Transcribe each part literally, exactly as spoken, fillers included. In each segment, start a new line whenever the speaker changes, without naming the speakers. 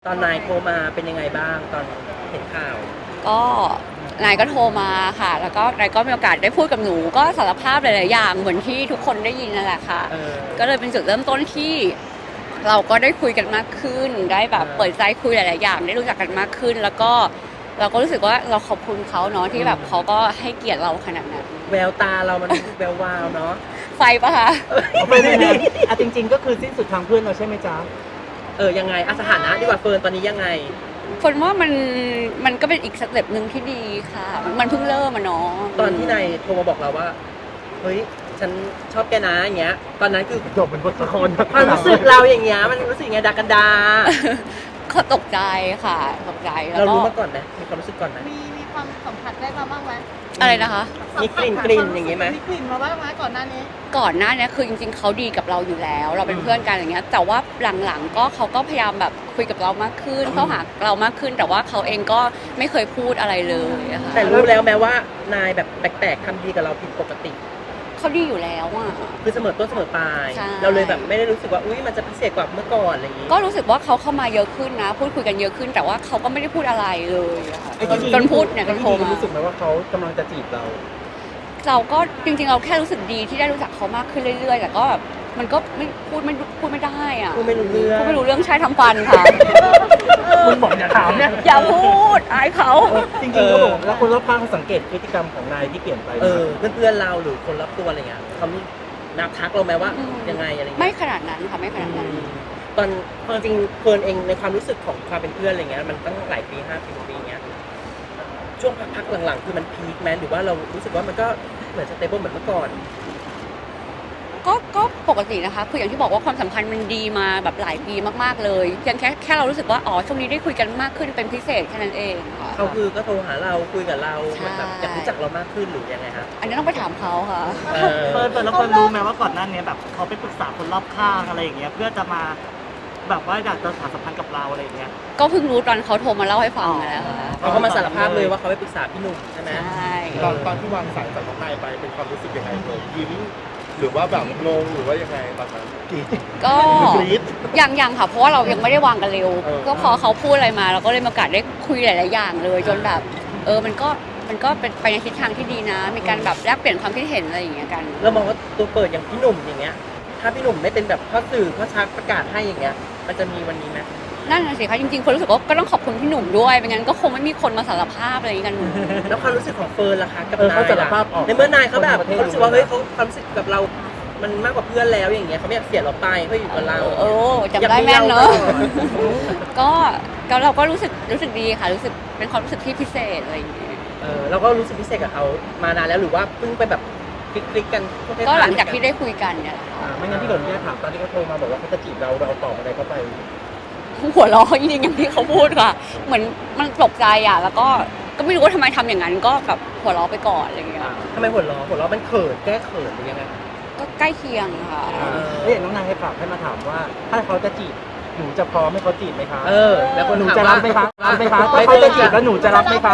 ตอนนายโทรมาเป็นยังไงบ้างตอนเห็นข่าว
ก็นายก็โทรมาค่ะ แล้วก็นายก็มีโอกาสได้พูดกับหนูก็สารภาพหลายๆอย่างเหมือนที่ทุกคนได้ยินนั่นแหละค่ะก็เลยเป็นจุดเริ่มต้นที่เราก็ได้คุยกันมากขึ้น ได้แบบเปิดใจคุยหลายๆอย่างได้รู้จักกันมากขึ้น แล้วก็เราก็รู้สึกว่าเราขอบคุณเขาเนาะที่แบบเขาก็ให้เกียรติเราขนาดนั้น
แววตาเรามันแวววาวเนาะ
ไฟปะคะ
ไม่ไม่ไม่อ่ะจริงๆก็คือสิ้นสุดทางเพื่อนเราใช่ไหมจ๊ะ
เออยังไงอ่ะสถานะดีกว่าเฟิร์นตอนนี้ยังไง
คนว่ามันมันก็เป็นอีกสเต็ปหนึ่งที่ดีค่ะมันเพิ่งเริ่มอะเนาะ
ตอนที่นายโทรมาบอกเราว่าเฮ้ยฉันชอบแกนะอย่างเงี้ยตอนนั้นคือ
จบเป็นบทละคร
ความรู้สึกเราอย่างเงี้ยมันรู้สึกยังไงดากันดา
เขาตกใจค่ะตกใจแล้ว
เรารู้มาก่อนไหมมีความรู้สึกก่อนไหม
มีมีความสัมผัสได้มาบ้างไหม
อะไรนะคะ
มีกลิ่นกลิ่นอย่างงี้ไหม
มีกลิ่นมาบ้างไหมก่อนหน้านี้
ก่อนหน้านี้คือจริงๆเขาดีกับเราอยู่แล้ว เราเป็นเพื่อนกันอย่างเงี้ยแต่ว่าหลังๆก็เขาก็พยายามแบบคุยกับเรามากขึ้นเข้าหาเรามากขึ้นแต่ว่าเขาเองก็ไม่เคยพูดอะไรเลยค่ะ
แต่รู้แล้วแม้ว่านายแบบแปลกๆทำดีกับเราผิดปกติ
เขาดีอยู่แล้วอ่ะ
คือเสมอต้นเสมอปลายเราเลยแบบไม่ได้รู้สึกว่าอุ้ยมันจะพิเศษกว่าเมื่อก่อนอะไรอย่างงี้
ก็รู้สึกว่าเขาเข้ามาเยอะขึ้นนะพูดคุยกันเยอะขึ้นแต่ว่าเขาก็ไม่ได้พูดอะไรเลยจนพูดเนี่ยจนโทรมา
รู้สึกไหมว่าเขากำลังจะจีบเรา
เราก็จริงๆเราแค่รู้สึกดีที่ได้รู้จักเขามากขึ้นเรื่อยๆแต่ก็แบบมันก็ไม่พูดไม่พูดไม่ได้อ่ะ
พูดไม่รู้เรื่อง
พูดไม่รู้เรื่องใช่ทำฟันค่ะ
มึงบอกอย่าถามเนี่ย
อย่าพูดอายเขา
จริงๆก็บอกแล้วคนรอบข้างสังเกตพฤติกรรมของนายที่เปลี่ยนไป
เออเพื่อนๆเราหรือคนรอบตัวอะไรเงี้ยเขานับทักเราไหมว่ายังไงอะไรเงี้ย
ไม่ขนาดนั้นค่ะไม่ขนาดนั้น
ตอนจริงเฟิร์นเองในความรู้สึกของความเป็นเพื่อนอะไรเงี้ยมันตั้งหลายปีห้าปีปีเงี้ยช่วงพักๆหลังๆคือมันพีคแมนหรือว่าเรารู้สึกว่ามันก็เหมือนสเตเบิลเหมือนเมื่อก่อน
ก็ก็ปกตินะคะคืออย่างที่บอกว่าความสัมพันธ์มันดีมาแบบหลายปีมากๆเลยเพียงแค่แค่เรารู้สึกว่าอ๋อช่วงนี้ได้คุยกันมากขึ้นเป็นพิเศษแค่นั้นเองค่ะ
เขาคือก็โทรหาเราคุยกับเราแบบอยากรู้จักเรามากขึ้นหรือยังไงคะ
อันนี้ต้องไปถามเขาค่ะ
เฟิร์นเฟิร์นแล้วคนรู้ไหมว่าก่อนหน้านี้แบบเขาไปปรึกษาคนรอบข้างอะไรอย่างเงี้ยเพื่อจะมาแบบว่าอยากจะสานสัมพันธ์กับเราอะไรอย่างเงี้ย
ก็เพิ่งรู้ตอนเขาโทรมาเล่าให้ฟังแล้วค่ะ
เขาก็มาสารภาพเลยว่าเขาไปปรึกษาพี่หนุ่มใช่ไหม
ใช่
ตอนตอนที่วางสายจากน้องนายไปเป็นความรู้สึกยังไงเลยยิ้มหรือว่าแบบงงหรือว่ายังไงตอนนั้น
ก็ยังยังค่ะเพราะว่าเรายังไม่ได้วางกันเร็วก็พอเขาพูดอะไรมาเราก็เลยมีโอกาสได้คุยหลายๆอย่างเลยจนแบบเออมันก็มันก็เป็นไปในทิศทางที่ดีนะมีการแบบแลกเปลี่ยนความคิดเห็นอะไรอย่างเงี้ยกัน
แล้วมองว่าตัวเปิดอย่างพี่หนุ่มอย่างเงี้ยถ้าพี่หนุ่มไม่เป็นแบบพ่อสื่อพ่อชักประกาศให้อย่างเงี้ยมันจะมีวันนี้ไหม
นั่นน่ะสิคะจริงๆคนรู้สึกว่าก็ต้องขอบคุณพี่หนุ่มด้วยไม่งั้นก็คงไม่มีคนมาสารภาพอะไรกัน
แล้วความรู้สึกของเฟิร์นล่ะคะกับนายล่ะในเมื่อนายเขาแบบเขารู้สึกว่าเฮ้ยเขาความรู้สึกกับเรามันมากกว่าเพื่อนแล้วอย่างเงี้ยเขาไม่อยากเสียเราไปเขาอยู่กับเรา
โอ้จำได้แม่นเนอะก็ก็เราก็รู้สึกรู้สึกดีค่ะรู้สึกเป็นความรู้สึกที่พิเศษอะไรอย่างเงี้ย
เออเราก็รู้สึกพิเศษกับเขามานานแล้วหรือว่าเพิ่งไปแบบคลิกๆกัน
ก็หลังจากที่ได้คุยกันเนี่ย
ไม่งั้นที่หล่นแค่ถามตอนที่เขาโทรมาบอกว่าเขาจะจีบเราเราตอบอะไรเขาไป
หัวเราะจริงๆอย่างที่เขาพูดค่ะเหมือนมันตกใจอ่ะแล้วก็ก็ไม่รู้ว่าทำไมทำอย่างนั้นก็แบบหัวเราะไปก่อนอะไรอย่างเงี้ย
ทำไมหัวเราะหัวเราะมันเขินแก้เขินหรือยังไง
ก็ใกล้เคียงค่ะ
เฮ้ยน้องนายให้ฝากให้มาถามว่าถ้าเขาจะจีบหนูจะพร้อมให้เขาจีบไหมคะ
เออแล้วคน
หนูจะรับไหมคะรับไหมคะถ้าเขาจะจีบแล้วหนูจะรับไหมคะ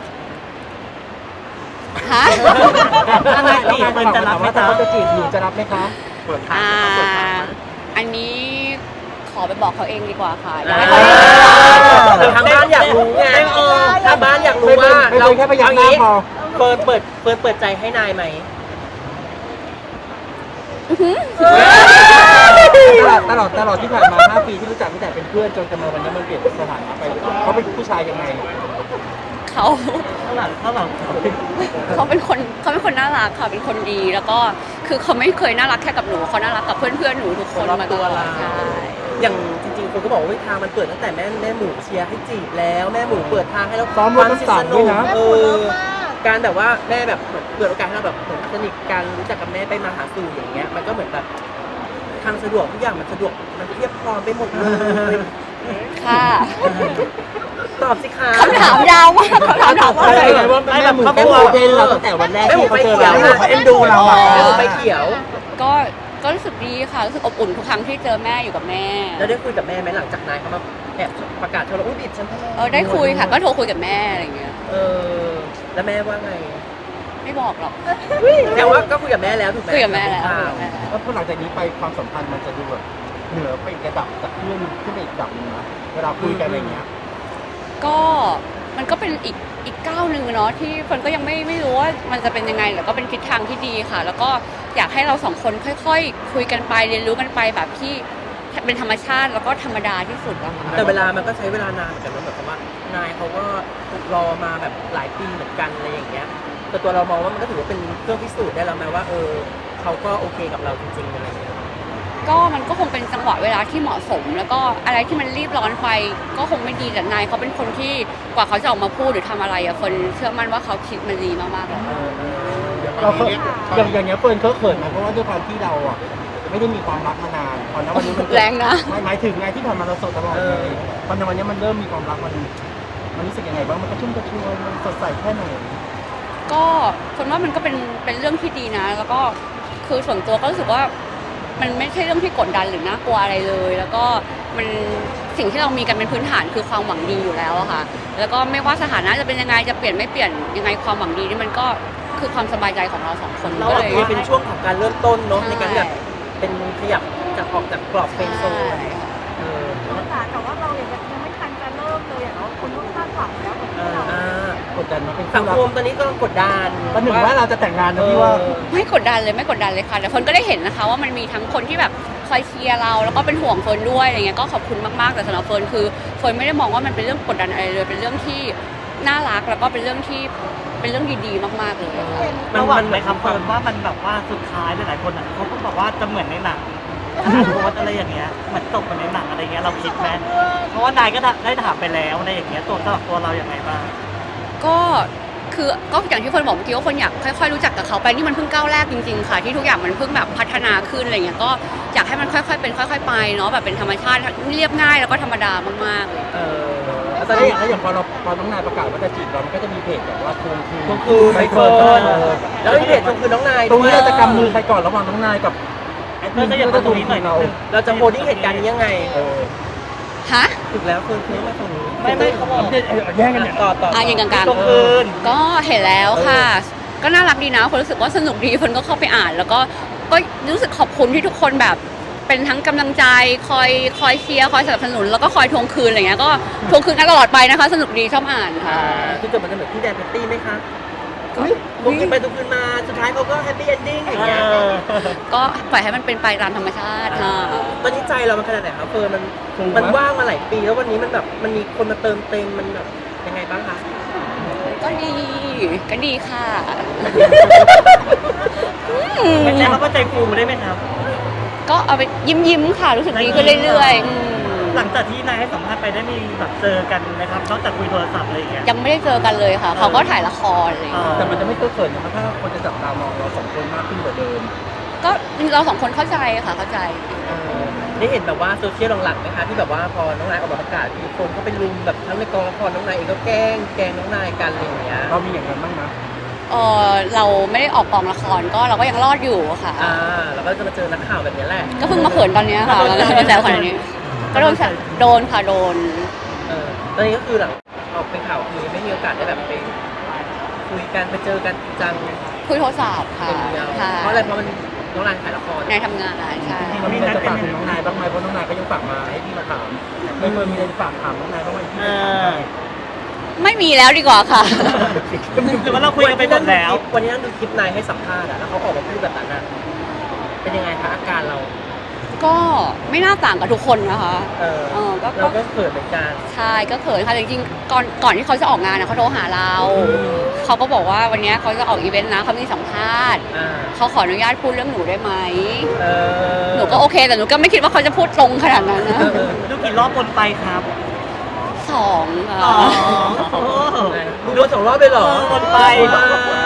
ฮะ
ถ้านายจีบมันจะรับไหมคะเขาจะจีบหนูจะรับไหมคะ
เปิดทางเปิดทาง
อันนี้ขอไปบอกเขาเองดีกว่าค่ะ
ทางบ้านอยากรู้ไงทางบ้านอยากรู้ว่าเรา
แค่พยายามหน้าพอ
เฟิร์นเปิดเฟิร์นเปิดใจให้นายไหม
ตลอดตลอดที่ผ่านมาห้าปีที่รู้จักตั้งแต่เป็นเพื่อนจนจะมาวันนี้มันเปลี่ยนสถานะไปเขาเป็นผู้ชายยังไง
เขา
ข้างหลังข้างหลัง
เขาเป็นคนเขาเป็นคนน่ารักค่ะเป็นคนดีแล้วก็คือเขาไม่เคยน่ารักแค่กับหนูเขาน่ารักกับเพื่อนเพื่อนหนูทุกคนมาตลอดใช่
อย่างจริงๆคนก็บอกว่าทางมันเปิดตั้งแต่แม่แม่หมูเชียร์ให้จีบแล้วแม่หมูเปิดทางให้เรา
ซ้อมรถน้ำสั่งด้วยนะ
เออการแบบว่าแม่แบบเปิดโอกาสให้เราแบบเหมือนสนิทกันรู้จักกับแม่ไปมาหาสู่อย่างเงี้ยมันก็เหมือนแบบทางสะดวกทุกอย่างมันสะดวกมันเทียบพร้อมไปหมดเลย
ค่ะ
ตอบสิคะ
คำถามยาวมากคำถามถาม
อะไรว่าแม่หมูเขาโอเคเราตั้งแต่วันแรกที่เขาเจอเราเขาเอ็นดูเราอ่ะ
แม่หมูไปเขียว
ก็ก็รู้สึกดีค่ะรู้สึกอบอุ่นทุกครั้งที่เจอแม่อยู่กับแม่
แล้วได้คุยกับแม่ไหมหลังจากนายเขามาแอบประกาศเธอเราอุ้ยบิดฉัน
เออได้คุยค่ะก็โทรคุยกับแม่อะไรเงี้ย
เออแล้วแม่ว่าไง
ไม่บอกหรอก
แต่ว่าก็คุยกับแม่แล้วถูกไหม
คุยกับแม่แล้ว
เพราะหลังจากนี้ไปความสัมพันธ์มันจะดูแบบ
เหนือไปอีกระดับจากเพื่อนขึ้นไปอีกระดับหนึงนะเวลาคุยกันอะไรเงี้ย
ก็มันก็เป็นอีกอีกก้าวหนึ่งเนาะที่เฟิร์นก็ยังไม่ไม่รู้ว่ามันจะเป็นยังไงแต่ก็เป็นทิศทางที่ดีค่ะ แล้วก็อยากให้เราสองคนค่อยๆ คุยกันไปเรียนรู้กันไปแบบที่เป็นธรรมชาติแล้วก็ธรรมดาที่สุดอะค่ะ
แต่เวลามันก็ใช้เวลานานเหมือนกันนะแบบว่านายเขาก็รอมาแบบหลายปีเหมือนกันอะไรอย่างเงี้ยแต่ตัวเรามองว่ามันก็ถือว่าเป็นเครื่องพิสูจน์ได้แล้วไหมว่าเออเขาก็โอเคกับเราจริงๆอะไรอย่างเงี้ย
ก็มันก็คงเป็นจังหวะเวลาที่เหมาะสม แล้วก็อะไรที่มันรีบร้อนไปก็คงไม่ดีแต่นายเขาเป็นคนที่กว่าเขาจะออกมาพูดหรือทำอะไรอะคนเชื่อมั่นว่าเขาคิดมันดีมากๆเลย
เราเคยอย่างอย่างเงี้ยเฟิร์นเขาเขินไหมเพราะว่าด้วยความที่เราอ่ะไม่ได้มีความรักมานานตอนนั้นวันนี้มัน
แรงนะ
ไม่หมายถึงไงที่ผ่านมาเราโสดตลอดเลยตอนในวันนี้มันเริ่มมีความรักมันมันรู้สึกยังไงบ้างมันกระชุ่มกระชวยมันสดใสแค่ไหน
ก็คนว่ามันก็เป็นเป็นเรื่องที่ดีนะ แล้วก็คือส่วนตัวก็รู้สึกว่ามันไม่ใช่เรื่องที่กดดันหรือน่ากลัวอะไรเลย แล้วก็มันสิ่งที่เรามีกันเป็นพื้นฐานคือความหวังดีอยู่แล้วอะค่ะ แล้วก็ไม่ว่าสถานะจะเป็นยังไงจะเปลี่ยนไม่เปลี่ยนยังไงความหวังดีนี่มันก็คือความสบายใจของเราสองคน
เรา
ก็
อา
เล
จ
ย
จะเป็นช่วงของการเริ่มต้นเนาะ
ใช่
ในการที่แบบเป็นขยับจากออกจากกรอบเฟรนด์โซนเออ
แต่ว่าเรายังยังไม่ทันจะเริ่มเลยอ่ะเนาะคุณต้องคาดหวังแล้วเหมือน
เอ
กัน
ออ่าก
ดดันมาเป็น
สัง
รั
คมตอนนี้ก็กดดัน
ประหนึ่งว่าเราจะแต่งงานนะพี่ว่า
เออ
ไม่กดดันเลยไม่กดดันเลยค่ะแต่คนก็ได้เห็นนะคะว่ามันมีทั้งคนที่แบบคอยเชียร์เราแล้วก็เป็นห่วงเฟิร์นด้วยอะไรเงี้ยก็ขอบคุณมากๆแต่สำหรับเฟิร์นคือเฟิร์นไม่ได้มองว่ามันเป็นเรื่องกดดันอะไรเลยเป็นเรื่องที่น่ารักแล้วก็เป็นเรื่องที่เป็นเรื่องดีๆมากๆเลยค่ะ
ระหว่างไหมครับเฟิร์นว่ามันแบบว่าสุดท้ายหลายๆคนอ่ะเขาก็บอกว่าจะเหมือนในหนังโพสอะไรอย่างเงี้ยเหมือนตกเหมือนในหนังอะไรเงี้ยเราคิดไหมเพราะว่านายก็ได้ถามไปแล้วในอย่างเงี้ยตัวสำหรับตัวเราอย่างไรบ้าง
ก็คือก็อย่างที่เฟิร์นบอกเมื่อกี้ว่าเฟิร์นอยากค่อยๆรู้จักกับเขาไปนี่มันเพิ่งก้าวแรกจริงๆค่ะที่ทุกอย่างมันเพิ่งแบบพัฒนาขึ้นอะไรเงี้ยก็อยากให้มันค่อยๆเป็นค่อย ๆ ไปเนาะแบบเป็นธรรมชาติเรียบง่ายแล้วก็ธรรมดามากๆเลย
เออ
แล้วต
ต
อ
อน น
นี้
นี้
อย่างอย่างพอเราพอน้องนายประกาศว่าจะจีบเรามันก็จะมีเพจแบบว่าทวงคืน
ก็คือไมเคิล
เออ
แล้วมีเพจคือน้องนาย
ตรงนี้
ด้วย
เราจะกำมือใครก่อนระหว่างน้องนายกับ
ไอ้เพื่อนก็อย่ามาตรงนี้หน่อย
เรา
เราจะโพสต์เหตุการณ์นี้ยังไง
เออ
ฮะ
ถูกแล้วเฟิร์นเฟิร์นมาตรงนี้
ไม่ไม่เขาบอก
แย่งกันเนี่ย
ต่อต่อ
อ่ะยิงกลาง
ตรงคืน
ๆก็เห็นแล้วค่ะ ก็น่ารักดีนะคนรู้สึกว่าสนุกดีคนก็เข้าไปอ่าน แล้วก็ก็รู้สึกขอบคุณที่ทุกคนแบบเป็นทั้งกำลังใจคอยคอยเชียร์คอยสนับสนุนแล้วก็คอยทวงคืนอะไรเงี้ยก็ทวงคืนกันตลอดไปนะคะ สนุกดีชอบอ่านค่ะ
อ่าคือจบมันจะเหมือนพี่แดนเพตตี้ไหมคะทุกคืนไปทุกคืนมาสุดท้ายเขาก็แฮปปี้เอนดิ้งอย่างเงี้ย
ก็ปล่อยให้มันเป็นไปตามธรรมชาติค่ะ
ตอนนี้ใจเรามันขนาดไหนครับเฟิร์นมัน
ถูกไหม
มันว่างมาหลายปีแล้ววันนี้มันแบบมันมีคนมาเติมเต็มมันแบบยังไงบ้างคะ
ก็ดีก็ดีค่ะ
ไม่ใช่ว่าใจฟูได้ไหมครับ
ก็เอาไปยิ้มยิ้มๆค่ะรู้สึกดีขึ้นเรื่อยๆอืม
หลังจากที่นายให้สัมภาษณ์ไปได้มีแบบเจอกันไหมครับนอกจากคุยโทรศัพท์อะไรอย่างเงี้ย
ยังไม่ได้เจอกันเลยค่ะ เขาก็ถ่ายละครอะไรอย่างเลย
แต่มันจะไม่เขินๆนะถ้าคนจะจับตามองเราสองคนมากขึ้นกว่าเดิม
ก็เราสองคนเข้าใจค่ะเข้าใจ
เออได้เห็นแบบว่าโซเชียลหลังๆไหมคะที่แบบว่าพอน้องนายออกมาประกาศมีคนก็เป็นลุมแบบทั้งในกองละครน้องนายเองก็แกล้งแกล้งน้องนายกันอะไรอย่างเงี้ย
เรามีอย่างนั้นบ้างนะ
เออเราไม่ได้ออกกองละครก็เราก็ยังรอดอยู่ค่ะ
อ่าแล้วก็จะมาเจอนักข่าวแบบนี้แหละ
ก็เพิ่งมาเขินตอนเนี้ยค่ะแล้วก็มาแซวขนาดนี้ ก็โดนแซวโดนค่ะโดน
เออตอนนี้ก็คือหลังออกเป็นข่าวคือไม่มีโอกาสได้แบบไปคุยกันไปเจอกันจริงจัง
คุยโทรศัพท์ค่ะ
เป็นเดียว
ค่ะ
เพราะอะไรเพราะมันน้องนายถ่ายละคร
ในทำงานใช่
เรามีอะไรจะฝากถึงน้องนายบ้างไหมเพราะน้องนายก็ยังฝากมาให้พี่มาถามไม่เคยมีอะไรจะฝากถามน้องนายบ้างไหมพี่
เอ
จะถาม
อ
ได้
ไม่มีแล้วดีกว่าค่ะ
หรือว่าเราคุยกันไปหมดแล้ว
วันนี้นั่งดูคลิปนายให้สัมภาษณ์อะแล้วเขาออกมาพูดแบบนั้นอะเป็นยังไงคะอาการเรา
ก็ไม่น่าต่างกับทุกคนนะคะ
เออ
เออก็
เราก็เขินเหมือนกัน
ใช่ก็เขินค่ะแต่จริงๆก่อนก่อนที่เขาจะออกงานนะเขาโทรหาเรา เขาก็บอกว่าวันนี้เขาจะออกอีเวนต์นะเขามีสัมภาษณ์
อ่า
เขาขออนุญาตพูดเรื่องหนูได้ไหม
เออ
หนูก็โอเคแต่หนูก็ไม่คิดว่าเขาจะพูดตรงขนาดนั้นนะ
เออเออ
ดูกี่รอบบนไปครับ
สองค่ะ
อ๋อโอ้
ดูโดนสองรอบเลยเหรอ
วนไป
ว้าว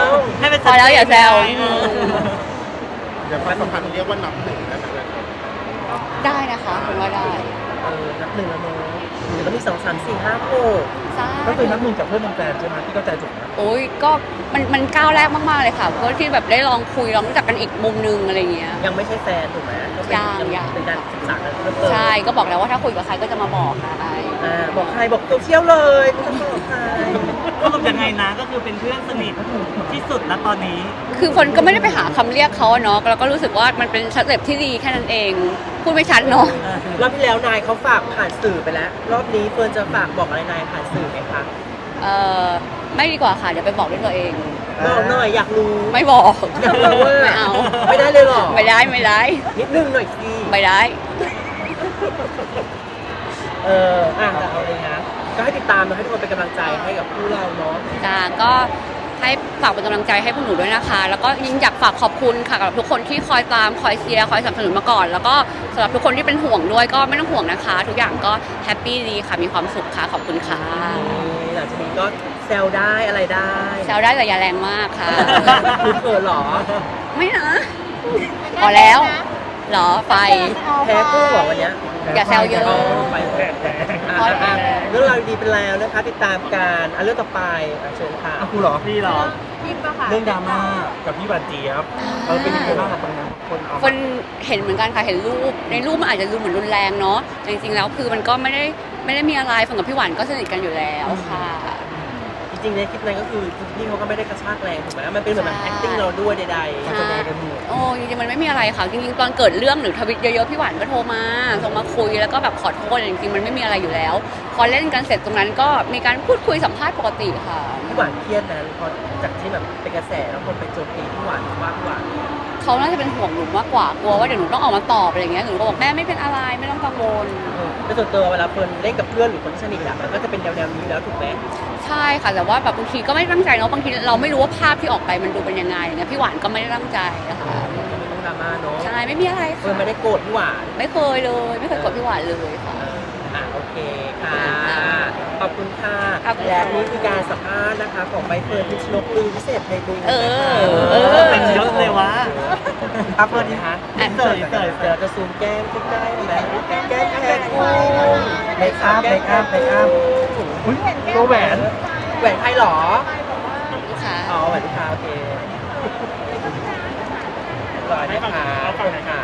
ให้เป็น
พอแล้วอย่าแซว
เออ
เดี๋ยวความสัมพันธ์เรียกว่านับหนึ่งได้ไหมครับ
ได้นะคะคุณว่าได้
เออนับหนึ่งแล้วเนอะเดี๋ยวก็มีสองสามสี่ห้าหก
ใช่
ก็คือนับหนึ่งจากเพื่อนเป็นแฟนใช่ไหมที่เข้าใจถูกนะ
โอ้ยก็มันมันก้าวแรกมากๆเลยค่ะก็ที่แบบได้ลองคุยลองรู้จักกันอีกมุมนึงอะไรเงี้ย
ยังไม่ใช่แฟนถูกไหมก็เป็น
ยังยัง
เป็นการศึกษากันเพิ่มเติม
ใช่ก็บอกแล้วว่าถ้าคุยกับใครก็จะมาบอกค่ะไอ
อ่าบอกใครบอกโซเชียลเลยไม่ต้องบอกใคร
สรุปยังไงนะก็คือเป็นเพื่อนสนิทที่สุดณตอนนี้
คือคนก็ไม่ได้ไปหาคำเรียกเขาอะเนาะแล้วก็รู้สึกว่ามันเป็นสเต็ปที่ดีแค่นั้นเองพูดไม่ชัดเนาะ
รอบที่แล้วนายเขาฝากผ่านสื่อไปแล้ว รอบนี้เฟิร์นจะฝากบอกอะไรนายผ่านสื่อไหมคะ
เออไม่ดีกว่าค่ะ เดี๋ยวไปบอกด้วยตัวเอง
บอกหน่อยอยากรู้
ไม่บอก
อยากรู้ว่า
ไม่เอา
ไม่ได้เลยเหรอ
ไม่ได้ไม่ได้
นิดนึงหน่อยสิ
ไม่ได้
เอออ่ะแต่เอาเลยนะก็ให้ติดตามนะให้ทุกคนเป็นกำลังใจให้กับคู่เราเนาะ
จ้าก็ให้ฝากเป็นกำลังใจให้พวกหนูด้วยนะคะ แล้วก็ยิ่งอยากฝากขอบคุณค่ะกับทุกคนที่คอยตามคอยเชียร์คอยสนับสนุนมาก่อน แล้วก็สำหรับทุกคนที่เป็นห่วงด้วยก็ไม่ต้องห่วงนะคะ ทุกอย่างก็แฮปปี้ดีค่ะมีความสุขค่ะขอบคุณค่ะ
หลังจากนี้ก็แซวได้อะไรได้
แซวได้แต่อย่าแรงมากค่ะ
คุณเขินเหรอ
ไม่นะ พอแล้วเหรอไฟ
แพ้คู่เหรอวันเนี้ย
อย่าแซวเยอะ
ไปแพ้อ่ะอ่ะเรื่องราวดีๆเป็นแล้วนะคะติดตามการอ่ะเรื่องต่อไปอ่ะเชิญค่ะ
อ่ะครูเหรอ
นี่เหรอ
พิมพ์ปะค่ะ
เรื่องดราม่ากับพี่บาดเจี๊ยบเออเป็นยังไงบ้างกับตรงนั้นคนเอา
คนเห็นเหมือนกันค่ะเห็นรูปในรูปมันอาจจะดูเหมือนรุนแรงเนาะแต่จริงๆแล้วคือมันก็ไม่ได้ไม่ได้มีอะไรฝันกับพี่หวานก็สนิทกันอยู่แล้วค่ะ
จริงๆในคลิปนั้นก็คือพี่เขาก็ไม่ได้กระชากแรงถูกไหมมันเป็นเหมือนแบบ acting เราด้วยใด
การแสดงกันหมด
โอ้จริงๆมันไม่มีอะไรค่ะจริงๆตอนเกิดเรื่องหรือทวิตเยอะๆพี่หวานก็โทรมาส่งมาคุยแล้วก็แบบขอโทษจริงๆมันไม่มีอะไรอยู่แล้ว พอเล่นกันเสร็จตรงนั้นก็มีการพูดคุยสัมภาษณ์ปกติค่ะ
ๆพี่หวานเครียดนะพอจากที่แบบเป็นกระแสแล้วคนไปโจมตีพี่หวานว่าพี่หวาน
เขาน่าจะเป็นห่วงหนูมากกว่ากลัวว่าเดี๋ยวหนูต้องออกมาตอบอะไรอย่างเงี้ยหนูก็บอกแม่ไม่เป็นอะไรไม่ต้องกังวล
ในส่วนตัวเวลาเฟิร์นเล่นกับเพื่อนหรือคนที่สนิทอะมันก็จะเป็นแนวๆนี้แล้วถูกไหม
ใช่ค่ะแต่ว่าแบบบางทีก็ไม่ตั้งใจเนาะบางทีเราไม่รู้ว่าภาพที่ออกไปมันดูเป็นยังไงอย่างเงี้ยพี่หวานก็ไม่ได้ตั้งใจนะคะ
ไม่ต้องดราม่าเนาะ
ใช่ไม่มีอะไร
เฟิร์น
ค่ะ
ไม่ได้โกรธพี่หวาน
ไม่เคยเลยไม่เคยกดพี่หวานเลยค่ะ
เอออ่ะโอเคค่ะขอบคุณค่ะ
ขอบคุณ
และ
ค่ะ
นี่คือการสัมภาษณ์นะคะของใบเฟิร์นพิชนกลือพิเศษไทยบุญ
เออ
นะคะ
เออ
เป็นยศเลยวะ
ครับเฟิร์นดีคะ
อ่ะ
เสยเสยเส
เดี๋ยวย จะซูมแก้มใกล้ๆนะแก้มแก้มคู่
เมคอัพเมคอัพเมคอัพอุ้ยตัวแหวน
แหวนใครหรอ
ลูกค้า
อ๋อแหวนลูกค้าโอเคร้อยนะคะขอบคุณค่ะ